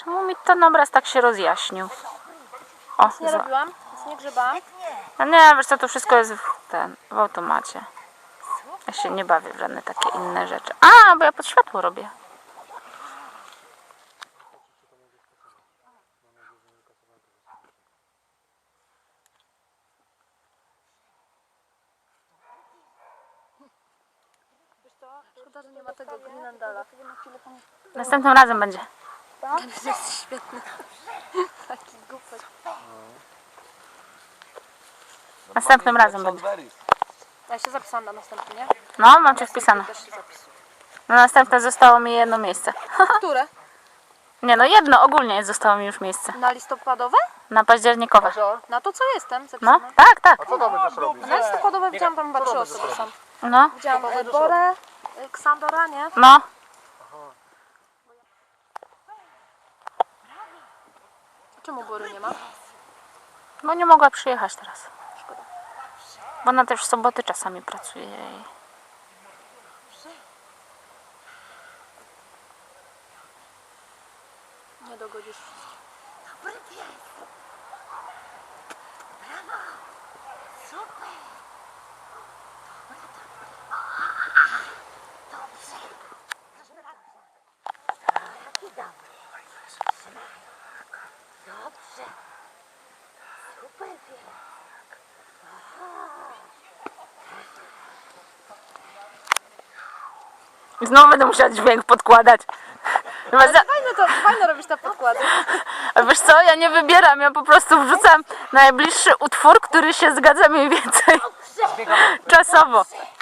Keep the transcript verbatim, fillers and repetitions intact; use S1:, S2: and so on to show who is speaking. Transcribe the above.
S1: Czemu mi ten obraz tak się rozjaśnił? O,
S2: Nic nie
S1: za...
S2: robiłam, nic nie grzebałam.
S1: No nie, wiesz co, to wszystko jest w, ten, w automacie. Ja się nie bawię w żadne takie inne rzeczy. A, bo ja pod światło robię.
S2: Szkoda, że nie ma tego Greenlandala.
S1: Następnym razem będzie.
S2: Jest świetny. Taki głupek.
S1: Następnym razem będzie.
S2: Ja się zapisałam na następny, nie?
S1: No, mam cię wpisane.
S2: Też się zapisuję.
S1: Na następne zostało mi jedno miejsce.
S2: Które?
S1: Nie no, jedno ogólnie zostało mi już miejsce.
S2: Na listopadowe?
S1: Na październikowe.
S2: Na to co jestem
S1: No,
S2: zapisana.
S1: tak, tak.
S3: Co tam będziesz robić?
S2: Na listopadowe widziałam tam chyba trzy osoby są.
S1: No,
S2: Widziałam e, Borę, e, Ksandora, nie?
S1: no.
S2: Czemu Bory nie ma?
S1: Bo nie mogła przyjechać teraz. Bo ona też w soboty czasami pracuje. i-
S2: Nie dogodzisz wszystkich.
S1: I znowu będę musiała dźwięk podkładać. Chyba za...
S2: Fajne to, fajne robisz te podkłady.
S1: A wiesz co, ja nie wybieram, ja po prostu wrzucam najbliższy utwór, który się zgadza mniej więcej czasowo.